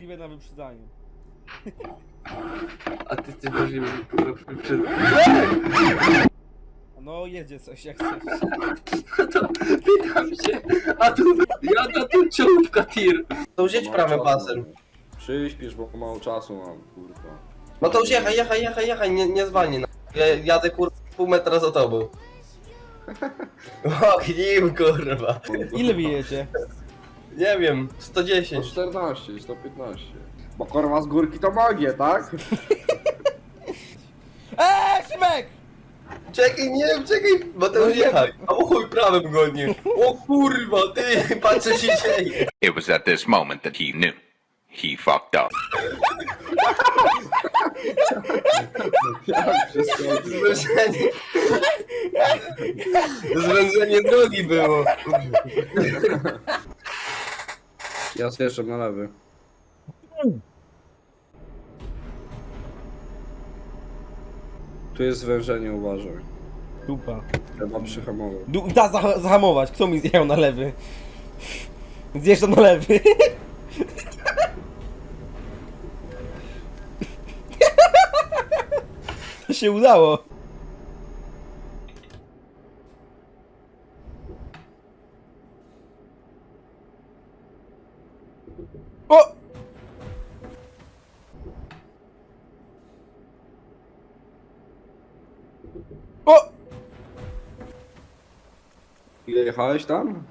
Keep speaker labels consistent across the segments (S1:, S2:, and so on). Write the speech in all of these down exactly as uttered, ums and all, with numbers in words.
S1: możliwe na wyprzedzanie.
S2: A ty jesteś możliwy przed...
S1: No jedzie coś jak chcesz.
S2: No to pytam się, a tu jada tu czołówka tir. To już jedź prawym pasem.
S3: Przyśpisz, bo mało czasu mam, kurwa.
S2: No to już jechaj, jechaj, jechaj, jechaj, nie, nie zwalnij. No. Ja jadę kurwa pół metra za tobą. O, nim kurwa.
S1: Ile wyjecie?
S2: Nie wiem, sto
S3: sto
S2: dziesięć.
S3: czternaście, sto piętnaście. Bo kurwa z górki to magię, tak?
S1: Eee, Szymek!
S2: Czekaj, nie wiem, czekaj, bo to już jechaj. A o chuj, prawym godnie. O kurwa, ty, patrz co się dzieje.
S4: It was at this moment that he knew. He fucked up.
S3: Jak wszystko.
S2: Zwężenie. Zwężenie drogi było.
S3: Ja zjeżdżam na lewy. Tu jest zwężenie, uważaj.
S1: Dupa.
S3: Trzeba przyhamować.
S1: Du da zah zahamować, kto mi zjechał na lewy? Zjeżdżam na lewy. To się udało. O! O!
S3: Ile jechałeś tam?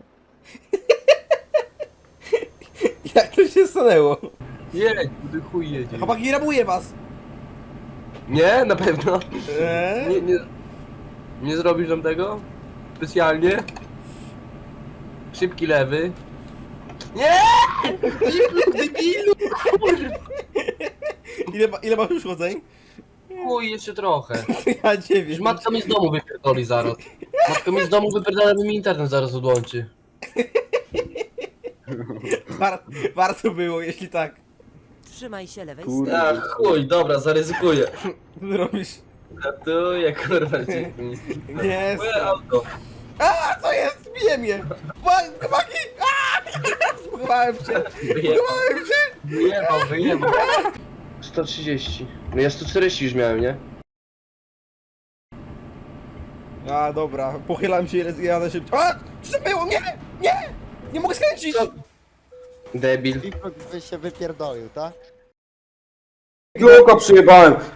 S1: Jak to się stanęło?
S2: Jedź, ty chuj jedzie.
S1: Chłopaki, rabuję was!
S2: Nie, na pewno.
S1: Eee?
S2: Nie, nie, nie zrobisz nam tego? Specjalnie? Szybki lewy. Nie! Debilu, kurwa!
S1: Ile, ma- ile masz już chodzeń?
S2: Chuj, jeszcze trochę.
S1: Ja dziewięć.
S2: Już matka mi z domu wypierdoli zaraz. Matka mi z domu wypierdala, bo mi internet zaraz odłączy.
S1: War warto było, jeśli tak.
S5: Trzymaj się lewej
S3: Kurde.
S5: strony.
S2: A chuj, dobra, zaryzykuję.
S1: Co ty robisz?
S2: Ratuję, kurwa, cię.
S1: Nie,
S2: Moje auto.
S1: a co jest? Bije mnie! Wa- Chłopaki! Aaa! Zbudowałem się! Zbudowałem się!
S2: Wyjebał, wyjebał. sto trzydzieści. No ja sto czterdzieści już miałem, nie?
S1: A dobra, pochylam się, jadę szybciej. A! Co to było? Nie! Nie! Nie mogę skręcić!
S2: Debil.
S6: By się wypierdolił, tak?
S3: Gluka przyjebałem!